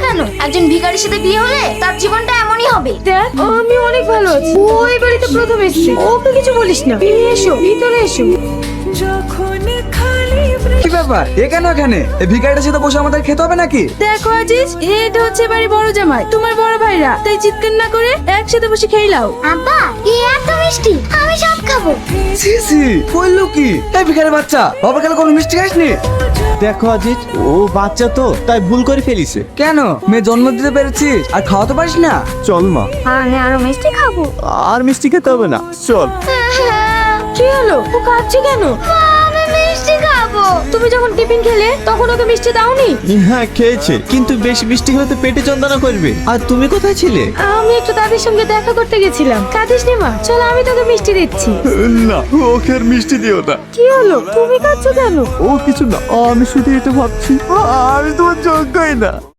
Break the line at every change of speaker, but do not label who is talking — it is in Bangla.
কেন? একজন ভিখারির সাথে বিয়ে হলে তার জীবনটা এমনই হবে।
দেখ, আমি অনেক ভালো আছি। ও এই বাড়িতে প্রথম এসেছে, ওকে কিছু বলিস না। এসো, ভিতরে এসো।
কি ব্যাপার, এ কেন এখানে? এই ভিখারিটার সাথে বসে আমাদের খেতে হবে নাকি?
দেখো আজিজ, এটা হচ্ছে বাড়ি বড় জামাই, তোমার বড় ভাইরা। তাই চিৎকার না করে একসাথে বসে খেয়ে নাও।
আব্বা, এ এত মিষ্টি, আমি সব খাবো।
ছি ছি, কইলো কি? এই ভিখারি বাচ্চা, বাবা কাল কোনো মিষ্টি খাসনি?
দেখো আজিজ, ও বাচ্চা তো, তাই ভুল করে ফেলিছে।
কেন, মেয়ে জন্ম দিতে পেরেছিস আর খাওয়াতে পারিস না?
চল মা,
আমি আরো মিষ্টি খাবো।
আর মিষ্টি খেতে হবে না, চল।
কি হলো, ও কাঁদছে কেন?
আমি মিষ্টি খাবো।
তুমি যখন টিফিন খেলে তখন ওকে মিষ্টি দাওনি?
হ্যাঁ খেয়েছে, কিন্তু বেশি মিষ্টি খেলে তো পেটে যন্ত্রণা করবে। আর তুমি কোথায় ছিলে?
আমি একটু দাদির সঙ্গে দেখা করতে গেছিলাম। কাঁদিস নে মা, চল আমি তোকে মিষ্টি দিচ্ছি।
না, ওকে আর মিষ্টি দিও না।
কি হলো, তুমি কাঁদছো কেন?
ও কিছু না, আমি শুধু এটা ভাবছি, আমি তোমার যোগ্যই না।